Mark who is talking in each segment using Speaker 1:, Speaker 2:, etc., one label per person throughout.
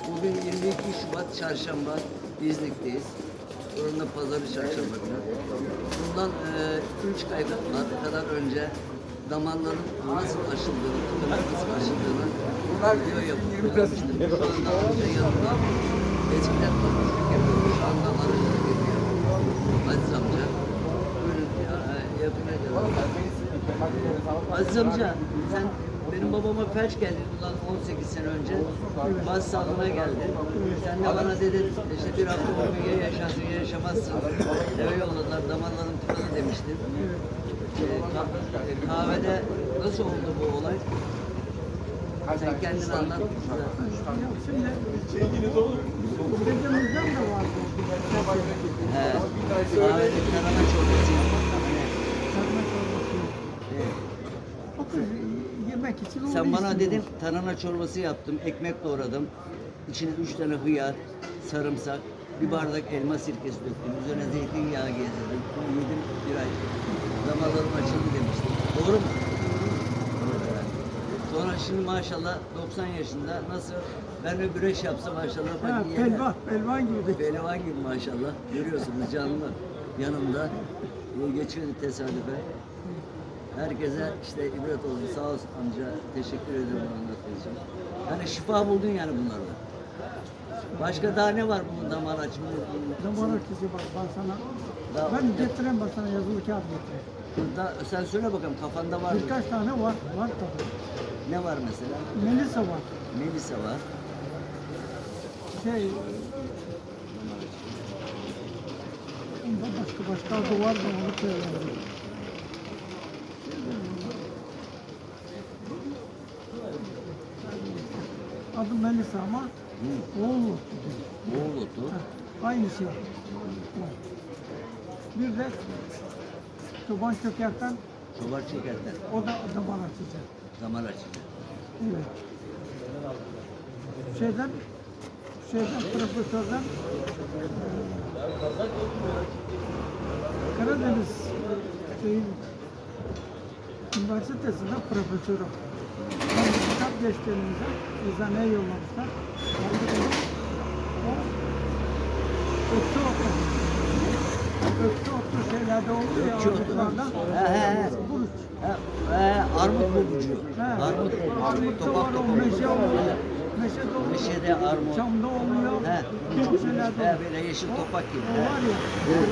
Speaker 1: Bugün 22 Şubat Çarşamba. İznik'teyiz. Oranın da pazarı çarşamba günü. Bundan 3 ay kadar önce damarların nasıl aşıldığını, tıkanın nasıl aşıldığını video yapmıştım. Şu anda amca yanında. Eskiden topuzluk yapıyordu. Şu anda arıcılık yapıyor. Aziz amca. Buyurun yapın. Aziz amca, sen benim babama felç geldi bundan 18 sene önce. Baz sağlığına geldi. Sen de bana dedin, işte bir hafta 10 gün ya yaşarsın ya yaşamazsın. Eve yolladılar, damarlarım tıkadı demiştin. Kahvede nasıl oldu bu olay? Sen kendin anlat.
Speaker 2: Dedemizden de vardı.
Speaker 1: He. Kahvede tarhana çorbası yapmak.
Speaker 2: Sarma çorbası. O kız yemek için onu
Speaker 1: Sen bana
Speaker 2: istiyor.
Speaker 1: dedin tarhana çorbası yaptım, ekmek doğradım. İçine 3 tane hıyar, sarımsak, bir bardak elma sirkesi döktüm. Üzerine zeytinyağı gezdirdim. Yedim bir ay. Damarlarım açıldı demiştim. Doğru mu? Evet. Sonra şimdi maşallah 90 yaşında nasıl ben de güreş yapsam maşallah.
Speaker 2: Ha, pelvan gibi de.
Speaker 1: Pehlivan gibi maşallah. Görüyorsunuz canlı yanımda. Geçiyordu tesadüfe. Herkese işte ibret olsun. Sağ olsun amca. Teşekkür ederim anlattığın için. Yani şifa buldun yani bunlarla. Başka daha ne var bunun damar açımı?
Speaker 2: Damar açıcı bak ben sana.
Speaker 1: Daha-
Speaker 2: Ben getireyim ben sana yazılı kağıt getireyim.
Speaker 1: Sen söyle bakalım kafanda var mı?
Speaker 2: Birkaç tane var. Var tabii.
Speaker 1: Ne var mesela?
Speaker 2: Melisa var.
Speaker 1: Melisa var.
Speaker 2: Şey... Onda başka adı var da onu söyleyeyim. Adı Melisa ama oğlu.
Speaker 1: Oğul otu.
Speaker 2: Aynı şey. Bir de çoban çökerten
Speaker 1: Çobar çekerler.
Speaker 2: o da damar açıcı.
Speaker 1: Damar açıcı.
Speaker 2: Evet. Şeyden profesörden Karadeniz Üniversitesi'nden profesörüm. Ben bir kitap geçtiğimizde eczaneye yollamışlar. O öksü otlu şeylerde oluyor ya
Speaker 1: Öksü otu.
Speaker 2: armutlarda.
Speaker 1: He.
Speaker 2: Buruç.
Speaker 1: Armut bulgucu.
Speaker 2: He.
Speaker 1: Armut
Speaker 2: Armutta
Speaker 1: topak
Speaker 2: var o
Speaker 1: topak.
Speaker 2: meşe oluyor. Meşede oluyor.
Speaker 1: Meşede armut.
Speaker 2: Çamda oluyor.
Speaker 1: He.
Speaker 2: Birçok şeylerde oluyor.
Speaker 1: Böyle yeşil topak gibi.
Speaker 2: O var ya.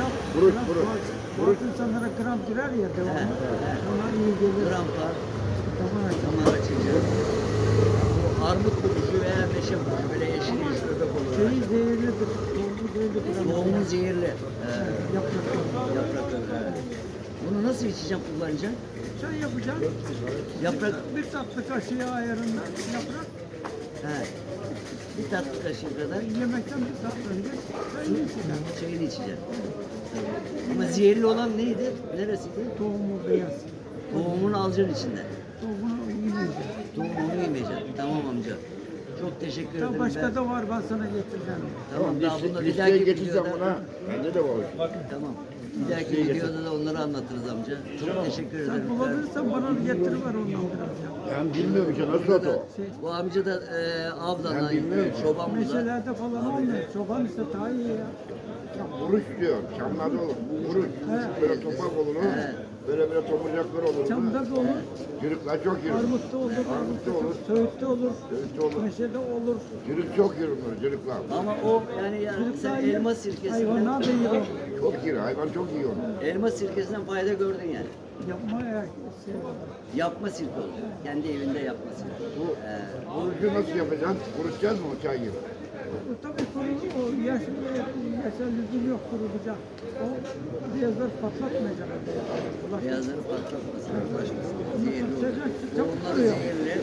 Speaker 2: Bazı insanlara gram girer ya devamlı. Ona iyi gelir.
Speaker 1: Grampa,
Speaker 2: Damar açar.
Speaker 1: damar açıcı. Bu armut bulgucu veya meşe bulgucu böyle yeşil yeşil öbek olur.
Speaker 2: Şeyi zehirlidir. Tohumu zehirlidir.
Speaker 1: Tohumu zehirli.
Speaker 2: Yaprakları.
Speaker 1: Yaprakları. Bunu nasıl içeceğim kullanacağım?
Speaker 2: Sen yapacaksın.
Speaker 1: Yaprak.
Speaker 2: Bir tatlı kaşığı ayarında yaprak.
Speaker 1: He. Bir tatlı kaşığı kadar
Speaker 2: Yemekten bir saat önce çayını içeceksin.
Speaker 1: çayını içeceğim. Ama zehirli olan neydi? Neresiydi?
Speaker 2: Tohumu beyaz.
Speaker 1: Tohumunu alacaksın içinden.
Speaker 2: Tohumunu yemeyeceksin.
Speaker 1: Tohumunu yemeyeceksin. Tamam amca. Çok teşekkür ederim.
Speaker 2: Başka da var ben sana getireceğim.
Speaker 1: Tamam daha bunda bir
Speaker 3: Listeye
Speaker 1: dahaki
Speaker 3: getireceğim
Speaker 1: videoda.
Speaker 3: ona. Bende de var.
Speaker 1: Tamam. Bir dahaki videoda da onları anlatırız amca. Çok teşekkür
Speaker 2: Sen
Speaker 1: ederim.
Speaker 2: bulabilirsen bana getiriver ondan biraz ya.
Speaker 3: Ben bilmiyorum ki nasıl o.
Speaker 1: Bu amca da avlanan,
Speaker 3: Ben bilmiyorum.
Speaker 1: çoban bu da.
Speaker 2: Meşelerde falan olmuyor. Çoban işte daha iyi ya.
Speaker 3: Buruş diyor. Çamlarda olur. Buruş. Böyle topak olur. Böyle tomurcaklar olur.
Speaker 2: Çamda da olur,
Speaker 3: Çürükler çok yürür.
Speaker 2: armutta olur,
Speaker 3: Armutta olur.
Speaker 2: söğütte olur,
Speaker 3: Söğütte olur.
Speaker 2: meşede olur.
Speaker 3: Çürük çok yürür bunlar. Çürükler.
Speaker 1: Ama o yani sen elma sirkesinden,
Speaker 2: Hayvanlar da yiyor.
Speaker 3: Çok yürür. Hayvan çok yiyor.
Speaker 1: elma sirkesinden fayda gördün yani.
Speaker 2: Yapma ya. Şey,
Speaker 1: Yapma sirke olur. Kendi evinde yapma sirke.
Speaker 3: Bu burucu nasıl yapacaksın? Kurutacağız mı o çay gibi?
Speaker 2: bu tabii kuru, o yaşa lüzum yok kurulacak. O beyazlar patlatmayacak.
Speaker 1: Beyazları patlatmasın, uğraşmasın. Zehirli olur.
Speaker 2: Sıcak, çabuk
Speaker 1: Onlar
Speaker 2: kuruyor.
Speaker 1: zehirli.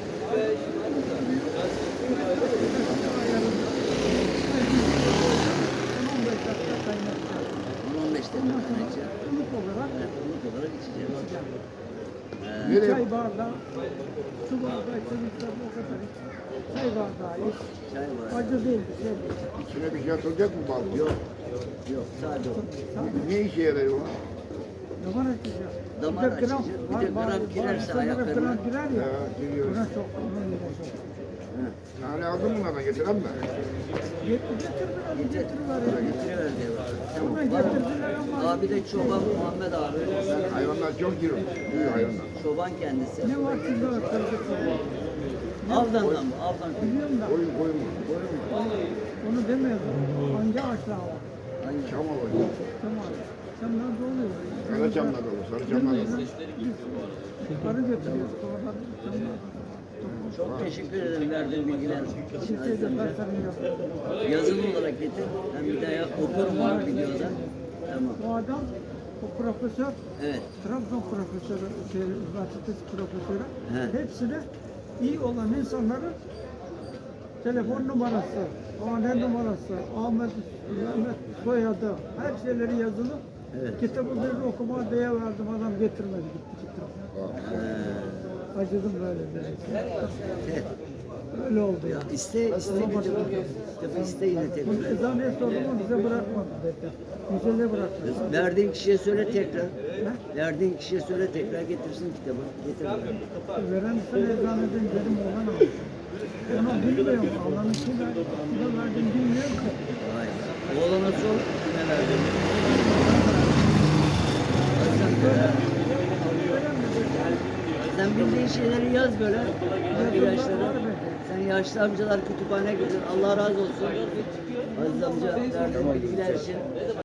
Speaker 2: 15 dakika kaynatacak.
Speaker 1: 10-15 dakika kaynayacak.
Speaker 2: Ilık olarak
Speaker 1: Ilık olarak içeceğiz.
Speaker 2: bir çay bardağı, su bardağı içebilirsen o kadar iç. Çay bardağı iç.
Speaker 1: Çay var.
Speaker 2: Acı değil bir şey değil.
Speaker 3: İçine bir şey atılacak mı bal?
Speaker 1: Yok. Yok. Sadece o.
Speaker 3: Ne işe yarıyor o?
Speaker 2: Damar açıcı.
Speaker 1: Damar açıcı. Bir de gram girerse
Speaker 2: Gram
Speaker 1: ayaklarına.
Speaker 2: girer ya.
Speaker 3: Ha, giriyor.
Speaker 2: Buna çok, onun ile çok.
Speaker 1: Hı.
Speaker 3: Nane aldın mı bunlardan getiren mi?
Speaker 2: Getirdiler ya.
Speaker 1: Getiriyorlar diye bak. Tamam.
Speaker 2: Hemen
Speaker 1: Var mı?
Speaker 2: getirdiler ama
Speaker 1: Abi de çoban Muhammed abi.
Speaker 3: Hayvanlar çok giriyor. Büyük hayvanlar.
Speaker 1: Çoban kendisi.
Speaker 2: ne var sizde arkadaşlar?
Speaker 1: Avdan'dan mı? Avdan.
Speaker 2: Biliyorum da
Speaker 3: Koyun mu?
Speaker 2: onu demiyorum. Hangi ağaçlar var?
Speaker 1: Hangi?
Speaker 3: Çam oluyor.
Speaker 2: Tamam. Çamlar da oluyor.
Speaker 3: Sarı çamlar olur. Sarı çamlar olur.
Speaker 2: Arı götürüyoruz. Oradan çamlar.
Speaker 1: Çok teşekkür ederim verdiğin bilgiler için.
Speaker 2: Türkiye'de tasarım yapıyor.
Speaker 1: Yazılı olarak getir. Ben bir daha okurum var videoda. Tamam.
Speaker 2: O adam, o profesör,
Speaker 1: Evet.
Speaker 2: Trabzon profesörü, üniversitesi profesörü,
Speaker 1: He.
Speaker 2: hepsine iyi olan insanların telefon numarası, hane numarası, Ahmet, Mehmet soyadı, her şeyleri yazılı.
Speaker 1: Evet.
Speaker 2: Kitabı bir okuma diye verdim, adam getirmedi, gitti kitabı. Acıdım böyle bir
Speaker 1: Evet.
Speaker 2: Öyle oldu ya.
Speaker 1: İste kitabı iste yine
Speaker 2: Bunu
Speaker 1: tekrar.
Speaker 2: eczaneye sordum, bize bırakmadı dedi. Müzede bırakmadı.
Speaker 1: Verdiğin kişiye söyle tekrar.
Speaker 2: He?
Speaker 1: Verdiğin kişiye söyle tekrar getirsin kitabı. Getir.
Speaker 2: Veren sen eczaneden dedim olan aldı. Onu bilmiyorum. Allah'ın kime verdim bilmiyorum ki.
Speaker 1: Vay. Oğlana sor. Kime verdin? Sen bildiğin şeyleri yaz böyle. Yaşları. Sen yaşlı amcalar kütüphane gelir. Allah razı olsun. Aziz amca verdiğin bilgiler için.